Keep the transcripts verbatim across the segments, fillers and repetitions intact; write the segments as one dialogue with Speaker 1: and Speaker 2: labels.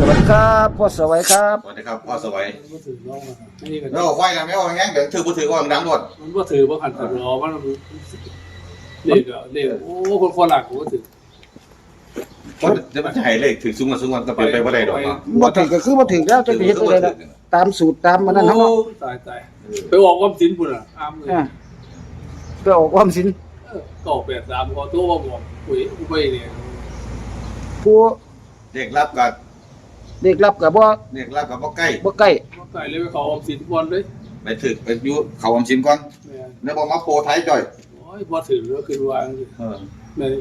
Speaker 1: วัสดีครับพ่อสวัยครับ
Speaker 2: สวัสดีครับพ่อสวัย
Speaker 3: มันถือน้องอ่ะนี่ก็
Speaker 2: แล้วไฟกันไม่ออกงั้นเดี๋ยวถือมือถือก่อนดังหมด
Speaker 3: มันก็ถือว่าขันขันรอมันเด็กอ่ะเด็กโอ้คนคนหลักผมก็ถือ
Speaker 2: คนจะมาให้เลขถือซุ้มมาซุ้มมันก็เป็นไปว่าได้ดอกเนาะ
Speaker 1: บ่ถึงก็คือบ่ถึงแล้วจะไปเฮ็ดอะไรล่ะตามสูตรตามมันนั่นเนาะ
Speaker 3: ตายตายไปออกความสินปุ่นอ่ะอ้ามเลย
Speaker 1: อ่าไปออกความสิน
Speaker 3: ก็ออกแปดสามขอตัวว่าบอกปุ๋ยกูไปเนี่ย
Speaker 1: ผู้
Speaker 2: เด็กรับกับ
Speaker 1: เด็กรับก็บ่
Speaker 2: เด็กรับกับบ่ใกล้
Speaker 1: บ่ใกล้
Speaker 3: มาไก่เลยไปขอออมสินบอลเลย
Speaker 2: ไปถือไปอยู่เขาอมชิมก่อน
Speaker 3: แม่
Speaker 2: แล้วบอกมาโปรไทยจ่อย
Speaker 3: โอ้ยพอถือแล้วคือวาง
Speaker 2: เออ
Speaker 3: แม่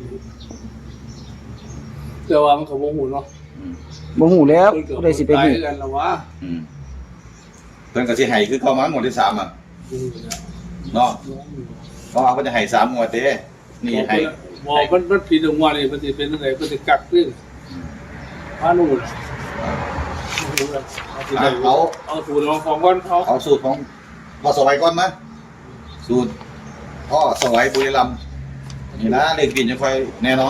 Speaker 3: แต่ว่ามันขบวหูเนาะ
Speaker 1: บ่ฮู้แล้วผู้ใดสิไป
Speaker 3: ตาย
Speaker 1: ฮู้
Speaker 3: กันแล้ววะ
Speaker 2: อืมเพิ่นก็สิให้คือเข้ามาหมวดที่สามอ่ะเนาะเพราะว่าเพิ่นจะให้สามหมวดเด้นี่ให้
Speaker 3: บอกมันมันผิดตรงว่านี่มันจะเป็นอะไรมันจะกักขึ้นพานู่น
Speaker 2: เอา
Speaker 3: เอาสูตรของก้อนเขา
Speaker 2: เอาสูตรของพ่อสวัยก่อนมั้ยสูตรพ่อสวัยบุรีรัมย์นี่นะเลขบินจะค่อยแน่นอน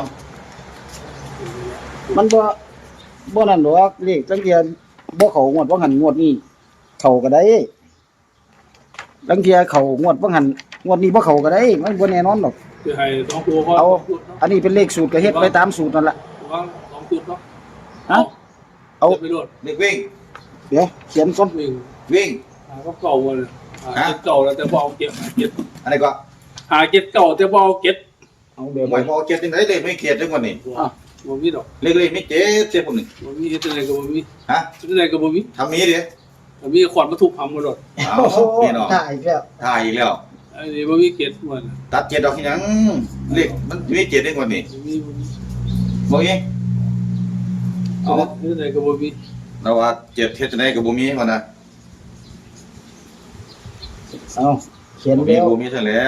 Speaker 1: มันบ่บ่นั่นดอกเลขจังเทียบ่เข้างวดบ่หันงวดนี้เข้าก็ได้จังเทียเข้างวดบ่หันงวดนี้บ่เข้าก็ได้มันบ่แน่นอนดอก
Speaker 3: คือให้สองตัวพอ
Speaker 1: เอาอันนี้เป็นเลขสูตรก็เฮ็ดไปตามสูตรนั่นล่ะ
Speaker 3: วางสองจุดเนาะ
Speaker 1: ฮะเอา
Speaker 3: ไปโดด
Speaker 2: เลขวิ่ง
Speaker 1: เดี๋ยวเขียนก่อน
Speaker 3: วิ่ง
Speaker 2: วิ่ง
Speaker 3: หาก็เก่าเลยหาเก็บเก่าแล้วแต่บอลเก็บหาเก็บ
Speaker 2: อันนี้ก็
Speaker 3: หาเก็บเก่าแต่บอลเก็บ
Speaker 1: เอาเดี๋ยว
Speaker 2: ห
Speaker 1: ไป
Speaker 2: มายพอเจ็ดจังได๋เลขไม่เขียนจังวันนี้
Speaker 1: อ่ะ
Speaker 3: บ่มีดอก
Speaker 2: เลขเลขไม่เจ็ดเจ็ดผมนี่
Speaker 3: บ่มีเฮ็ดอะไรก็บ่มี
Speaker 2: ฮะ
Speaker 3: เฮ็ดอะไรก็บ่มี
Speaker 2: ทำนี้ดิ
Speaker 3: บ่มีขวดมาทุบหำกันโดด
Speaker 2: เอา
Speaker 1: โอ้โห
Speaker 2: พี่น้อง
Speaker 1: ถ่ายอีกแล้ว
Speaker 2: ถ่ายอีกแล้ว
Speaker 3: อันนี้บ่มีเก็บเหมือน
Speaker 2: ตัดเจ็ดดอกที่หยังเลขมันไม่เจ็ดได้กว่านี้
Speaker 3: บ่มีบ่มี
Speaker 2: บ่มีเอา
Speaker 3: เฮ็ดอะไรก็บ่มี
Speaker 2: เราว่าเจ็ดเฮ็ดจังได๋ก็บ่มีว่านะ
Speaker 1: เอาเขียน
Speaker 2: บ่มี
Speaker 1: แล้ว
Speaker 2: บ่มีซะแล้ว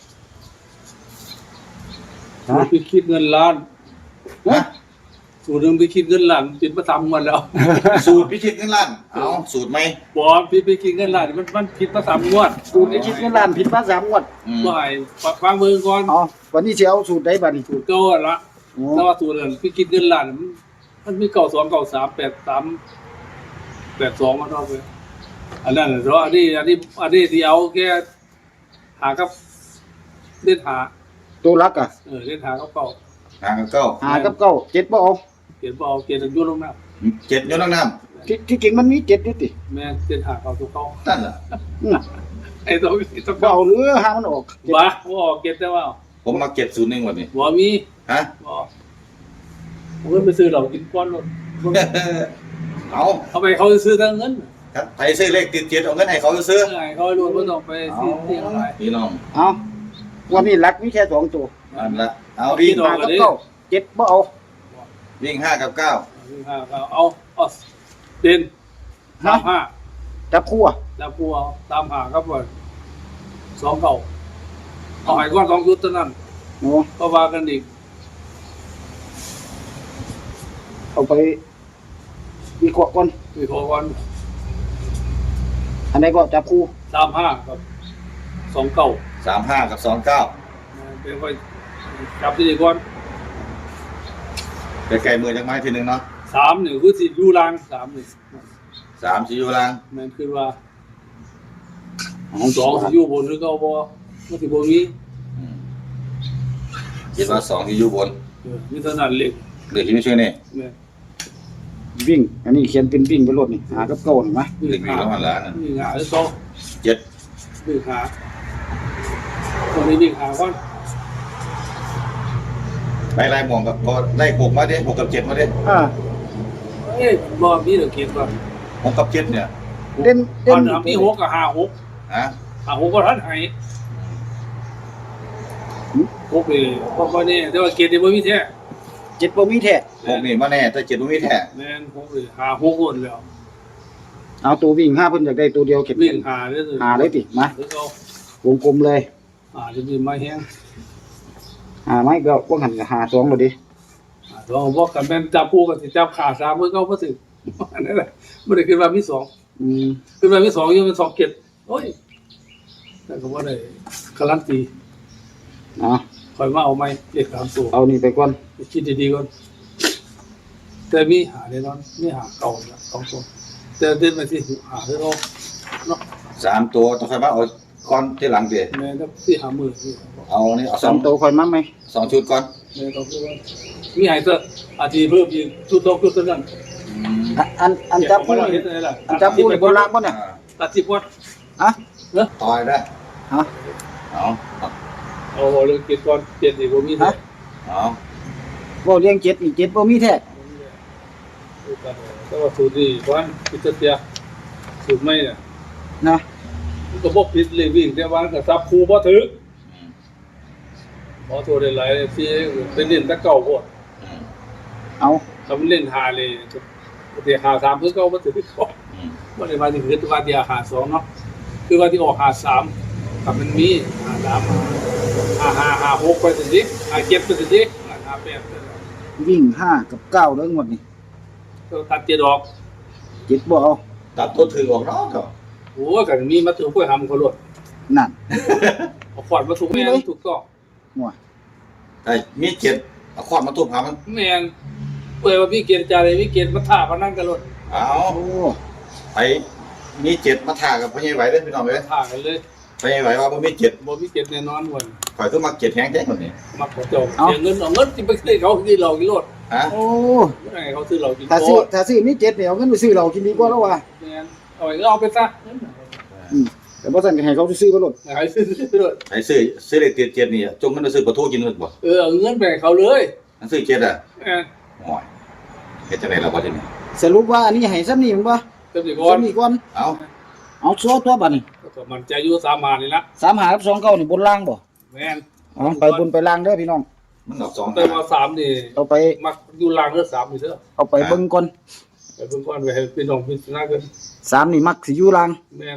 Speaker 1: ฮะ
Speaker 3: ไปคิดเงินล้าน
Speaker 2: ฮะ
Speaker 3: สูตรหนึงไปคิดเงินล้านเป็นประจำมันแล้ว
Speaker 2: สูตรพิชิตเงินล้านเอาสูตรไหม
Speaker 3: บอพี่ไปกินเงินล้านมันมันผิดมาสามงวด
Speaker 1: สูตรนี้คิดเงินล้านผิดมาสามงวด
Speaker 2: อืม
Speaker 3: บ่ให้ฟังมือก่อน
Speaker 1: อ๋อวันนี้สิเอาสูตรใดบัดนี้
Speaker 3: สูตรเก่าอะละ
Speaker 1: อ๋อ
Speaker 3: แต่ว่าสูตรนั้นพี่กินเงินล้านมันมันมีเก่าสองเก่าสามแปดสามแปดสองมาเท่าไปอันนั้นเพราะอันนี้อันนี้อันนี้ที่เอาแค่หากับเล่นหา
Speaker 1: ตัวรักอ่ะ
Speaker 3: เออเล่นหากับเก่า
Speaker 2: หางกับเก้า
Speaker 1: หากับเก้าเจ็ดบ่เอา
Speaker 3: เขียนบ่เอาเขียนยุ่งลงน้
Speaker 2: เจ็ดอยู่นั่งน้
Speaker 1: ที่ที่จริงมันมีเจ็ดอยู่ติ
Speaker 3: ำแม่เล่นหาเก่าตัวเก่า
Speaker 2: ำนั่นล่ะ
Speaker 1: อือ
Speaker 3: ไอ้ตัวตัว
Speaker 1: บ่
Speaker 3: เก่า
Speaker 1: เอาหรือหามันออกเจ็ด
Speaker 3: บ้าบ่ออกเก็บแต่ว่า
Speaker 2: ผมมาเก็บศูนย์หนึ่งวันนี้
Speaker 3: บ่มี
Speaker 2: ฮะ
Speaker 3: บ่ผมก็ไปซื้อเหล้ากินก้อนรถ
Speaker 2: เอา
Speaker 3: เอาไปเขาซื้อทั้งเงิน
Speaker 2: ครับใครซื้อเลขติดเจ็ดเอาเงินให้เขาซื้อ
Speaker 3: ไงเขารวมก็ต้องไปซื้อเตียงอะไร
Speaker 2: พี่น้อง
Speaker 1: เอาวันนี้รักมีแค่สองตัว
Speaker 2: อันละเอาวิ่ง
Speaker 1: หากับเก้าเจ็ดบ่เอา
Speaker 2: วิ่งห้ากับเก้า
Speaker 3: ห้าเอาเอาเด่นสามห้า
Speaker 1: จับคู่อ่ะ
Speaker 3: แล้วกูเอาตามหาครับว่าสองเก่าเอาหายก้อนสองชุดเท่านั้น
Speaker 1: โอ้
Speaker 3: ก็ว่ากันอีก
Speaker 1: เอาไปวิเคราะห์ก่อน
Speaker 3: มีขอก้อน
Speaker 1: อันไหนก็จับคู่
Speaker 3: สามห้ากับสองเก่า
Speaker 2: สามห้ากับสองเก้า
Speaker 3: เป็นค่อยจับที่นี่ก่อน
Speaker 2: ไปไกลมือจังไม้ทีหนึ่งเนาะ
Speaker 3: สามหนึ่งคือสิยูรางสามหนึ่ง
Speaker 2: สามสี่อยู่ล่าง
Speaker 3: แมันคือว่าสองสิยูบนหรือเก้าบ่ก็สิบมี
Speaker 2: อืมคิดว่าสองที่อยู่บน
Speaker 3: เออมีเท่านั้นเล็ก
Speaker 2: เหลือที่ไม่ช่วยนี่
Speaker 3: แม่
Speaker 1: วิ่ง อันนี้เขียนเป็นวิ่งไปรถนี่หากับเก้าเห็นไหม
Speaker 2: เหลือมีแล้วมันละนั่น
Speaker 3: วิ่งหาหรือสอง
Speaker 2: เจ็ด
Speaker 3: วิ่งหาตอนนี้วิ่งหาก่อน
Speaker 2: ไล่ไล่หมองกับก็ไล่หกมาดิหกกับเจ็ดมาดิ
Speaker 1: อ่า
Speaker 3: เอ้ยบ่มีเด้อเก็บว่า
Speaker 2: หกกับเจ็ดเนี่ย
Speaker 1: เด่น
Speaker 3: ต
Speaker 1: เด่
Speaker 3: อน นมีหกกับห้าหก
Speaker 2: ฮะ
Speaker 3: ห้าหกก็ทันให้หกนี่บ่บ่แน่แต่ว่าเก็บนี่บ่มีแท้
Speaker 1: เจ็ดบ่มีแท้
Speaker 2: หกนี่มาแน่แต่เจ็ดบ่มีแท้
Speaker 3: แม่นหกนี่ห้าหกคนแล้ว
Speaker 1: เอาตัววิ่งห้าเพิ่นอยากได้ตัวเดียวเก็บ
Speaker 3: วิ่งหาเด้อ
Speaker 1: หาเลยติมา
Speaker 3: หรือเอา
Speaker 1: วงกลมเลย
Speaker 3: หาจะมีไม้แห้ง
Speaker 1: หาไม้ก็พวกหันก็หาสองเลยดิ
Speaker 3: หาต้องบอกกันแม่นจับคู่กันสิจับขาสามมือเก่าบ่ถึงอันนั้นแหละบ่ได้ขึ้นมามีสอง
Speaker 1: อืม
Speaker 3: ขึ้นมามีสองอยู่เป็นสองเก็บโอ้ยแต่ก็บ่ได้การันตี
Speaker 1: เอา
Speaker 3: คอยมาเอาไม้เลขสามตัว
Speaker 1: เอานี่ไปก่อน
Speaker 3: คิดดีๆก่อน
Speaker 1: แ
Speaker 3: แต่มีหาแน่นอนมีหาเก่าแล้วสองตัวแต่เดินไปที่หาที่เราเนาะ
Speaker 2: สามตัวต้องใครมาเอาก้อนที่หลังเดีย
Speaker 3: แม่ก็ที่หามือที่
Speaker 2: เอานี่เอาส
Speaker 1: สา
Speaker 2: อง
Speaker 1: มตัวคอยมาไหม
Speaker 2: สองชุดก่อน
Speaker 3: แม่ต้องพูดว่ามีหายเถอะอาทิตย์เพิ่มอีกชุดดอกชุดนั้น
Speaker 2: อืม
Speaker 1: อันอันอันจับผู้
Speaker 3: เห็
Speaker 1: นี่
Speaker 3: นอะไรล่ะ
Speaker 1: อันจับผู้นี่บนล่างบ่เนี่ย
Speaker 2: อ่า
Speaker 3: ตัดสิบวัด
Speaker 1: ฮะ
Speaker 2: ต่อยได้
Speaker 1: ฮะ
Speaker 2: เอาเอา
Speaker 3: เอาเรื่องเก็บก่อนเก็บอีกบ่มี
Speaker 1: ฮะ
Speaker 2: เอา
Speaker 1: บ่เลี้ยงเจ็ดอีกเจ็ดบ่มีแท้
Speaker 3: แต่ว่าสูตรนี้วันพิจารณาสูตรไม่เนี่ย
Speaker 1: นะ
Speaker 3: มันก็บอกผิดเลยวิ่งแต่วันก็ซับครูบ่ถือ
Speaker 2: อืม
Speaker 3: ขอโทษหลายๆที่เป็นเล่นตะเก่าโพด
Speaker 2: อืม
Speaker 1: เอา
Speaker 3: ทำเล่นหาเลยเดี๋ยวหาสามเพื่อเก่าบ่ถือเขา
Speaker 2: อืม
Speaker 3: บ่ได้ว่าที่คือว่าเดียวหาสองเนาะคือว่าที่ออกหาสามกับมันมีหาสามหาหาหาหกไปสิหาเจ็ดไปสิหาแปด
Speaker 1: วิ่งห้ากับเก้าเด้องวดนี้
Speaker 3: ก็ตัดเจ็ดออก
Speaker 1: เจ็ดบ่เอา
Speaker 2: ตัดตัวถือออกเนาะก็
Speaker 3: โอ้กันมีมาถึงพวกทำเขาลด
Speaker 1: นั่น
Speaker 3: เอาขวดมาถูกแม่นถูกต้อง
Speaker 1: หัว
Speaker 2: ไอ้มีเจ็ดเอาขวดมาทุบหามัน
Speaker 3: แม่นเปิดว่าพี่เกียรติจาเลยพี่เกียรติมาถ่าพนันกันลด
Speaker 2: เอา
Speaker 1: โอ้
Speaker 2: ไปมีเจ็ดมาถ่ากับพ่อใหญ่ไหวเด้อพี่น้องเอ้ย
Speaker 3: ถ่ากันเลย
Speaker 2: พ่อใหญ่ไหวว่าบ่มีเจ็ด
Speaker 3: บ่พี่เกียรติแน่นอนวัน
Speaker 2: ข่อยคือมาเจ็ดแฮงแท้คนนี้
Speaker 3: มักขอจบเสียเงินเอาเงินที่ไปซื้อเขาที่เรากินรถ
Speaker 2: ฮะ
Speaker 1: โอ้
Speaker 3: ไม่ไงเขาซื้อเรากิน
Speaker 1: ถ้าซื้อถ้าซื้อมีเจ็ดเนี่ยเอาเงินไปซื้อเหล้ากินดีกว่าแล้วว่ะ
Speaker 3: แม่นเอาไปก็เอาไปซะ
Speaker 1: อืมแต่บ่ซั่นก็ให้เขาซื้อๆบ่ลด
Speaker 3: ไหนซื้อซื้อรถ
Speaker 2: ไอ้ซื้อซื้อเลขเจ็ดเจ็ดนี่อะจงมันไปซื้อปลาทูกินนึกบ่
Speaker 3: เออเอาเงินไปให้เขาเลย
Speaker 2: อันซื้อเจ็ดอ่ะ
Speaker 3: แม่น
Speaker 2: โอ้ยเฮ็ดจังได๋ล่ะบ่ทีนี้
Speaker 1: สรุปว่าอันนี้ให้ซ้ำนี่มันบ่
Speaker 3: เต็มที่ก่อน
Speaker 1: ซ้ำนี่ก่อน
Speaker 2: เอา
Speaker 1: เอาซัวตัวบัดนี้
Speaker 3: ก็มันใจอยู่สามหานี่ละ
Speaker 1: สามหากับสองเก้านี่บนล่างบ่
Speaker 3: แม่น
Speaker 1: อ๋อไปบนไปล่างเด้อพี่น้อง
Speaker 2: มันออกสอง
Speaker 3: แต่ว่าสามนี่
Speaker 1: เอาไป
Speaker 3: มักอยู่ล่างเด้อสามนี่เด้อ
Speaker 1: เอาไปเบิ่งก่อน
Speaker 3: ไปเพิ่นก่อนไปให้พี่น้องพิจารณากัน
Speaker 1: สามนี่มักสิอยู่ล่าง
Speaker 3: แม่น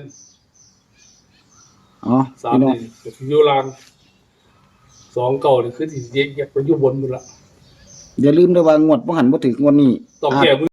Speaker 1: อ๋อ
Speaker 3: สาม
Speaker 1: พี่น้อง
Speaker 3: นี่ก็สิอยู่ล่างสองเก่านี่คือที่แยกๆไปอยู่บนหมดละ
Speaker 1: อย่าลืมเด้อว่างวดบ่หันบ่ถึกงวดนี้
Speaker 3: ต้อง
Speaker 1: อาจ
Speaker 3: แก้มือ